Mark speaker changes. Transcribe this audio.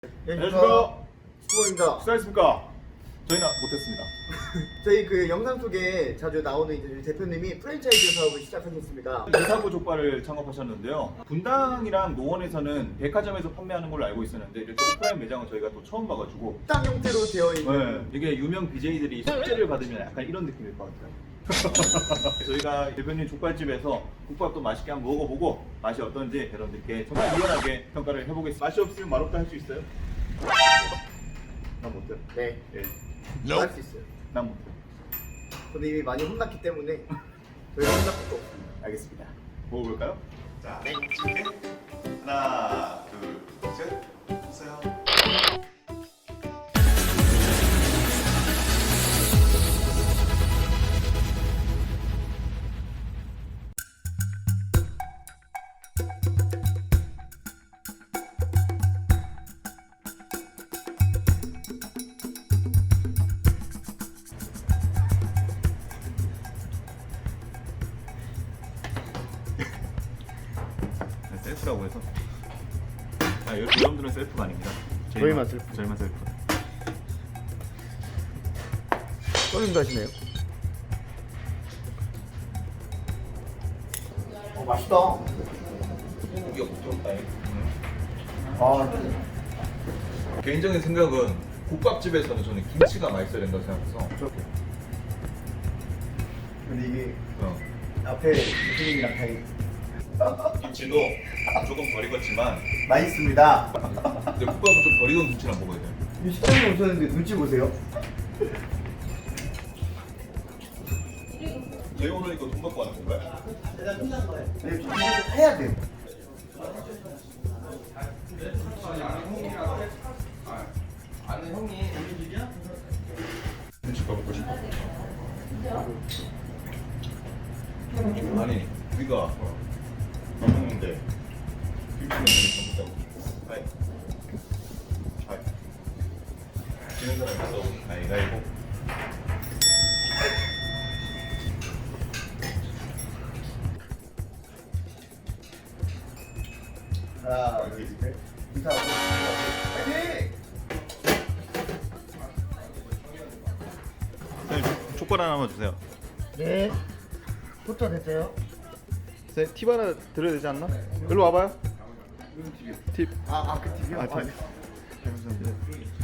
Speaker 1: 안녕하십니까.
Speaker 2: 수고입니다.
Speaker 1: 수고하셨습니까? 저희는 못했습니다.
Speaker 2: 저희 그 영상 속에 자주 나오는 이제 대표님이 프랜차이즈 사업을 시작하셨습니다.
Speaker 1: 이사고 족발을 창업하셨는데요. 분당이랑 노원에서는 백화점에서 판매하는 걸로 알고 있었는데 이렇게 오프라인 매장은 저희가 또 처음 봐가지고
Speaker 2: 식당 형태로 되어 있는
Speaker 1: 이게 유명 BJ들이 숙제를 받으면 약간 이런 느낌일 것 같아요. 저희가 대표님 족발집에서 국밥도 맛있게 한번 먹어보고 맛이 어떤지 여러분들께 정말 유연하게 평가를 해보겠습니다. 맛이 없으면 맛없다 할 수 있어요? 난 못해요.
Speaker 2: 네,
Speaker 1: 예,
Speaker 2: 할 수 있어요.
Speaker 1: 난 못해요.
Speaker 2: 저는 이미 많이 혼났기 때문에 저희가 혼날 것도 없습니다.
Speaker 1: 알겠습니다. 먹어볼까요?
Speaker 3: 자, 준비. 하나, 둘, 셋. 보세요.
Speaker 1: 셀프라고 해서 여러분들은 셀프가 아닙니다.
Speaker 2: 저희만 셀프.
Speaker 1: 저희만 셀프.
Speaker 2: 손님도 하시네요. 맛있다.
Speaker 3: 이게 부드럽다.
Speaker 2: 아,
Speaker 3: 개인적인 생각은 국밥집에서는 저는 김치가 맛있어야 된다고 생각해서.
Speaker 2: 저렇게. 근데 이게
Speaker 3: 어.
Speaker 2: 앞에 대표님이랑 다
Speaker 3: 김치도 조금 덜 익었지만,
Speaker 2: 맛있습니다.
Speaker 3: 근데 국밥은 좀 덜 익은 김치랑 먹어야 돼요.
Speaker 2: 이 식당에 오셨는데 눈치 보세요.
Speaker 3: 저희 오늘 이거 돈 받고 하는 건가요?
Speaker 2: 네, 이거 해야 돼요.
Speaker 3: 김치밥 먹고 싶어. 아니, 우리가 밥 먹는데 김치는 왜 전부 다 하이. 하이. 지는 사람 있어. 가위가위보.
Speaker 2: 하나, 둘, 셋. 인사하고. 파이팅!
Speaker 1: 선생님 족발 하나만 주세요.
Speaker 2: 네. 포터 됐어요?
Speaker 1: 선생님 팁 하나 드려야 되지 않나? 일로 와봐요. 팁.
Speaker 2: 그 팁이요?
Speaker 1: 아,
Speaker 2: 아, 네.
Speaker 1: 감사합니다.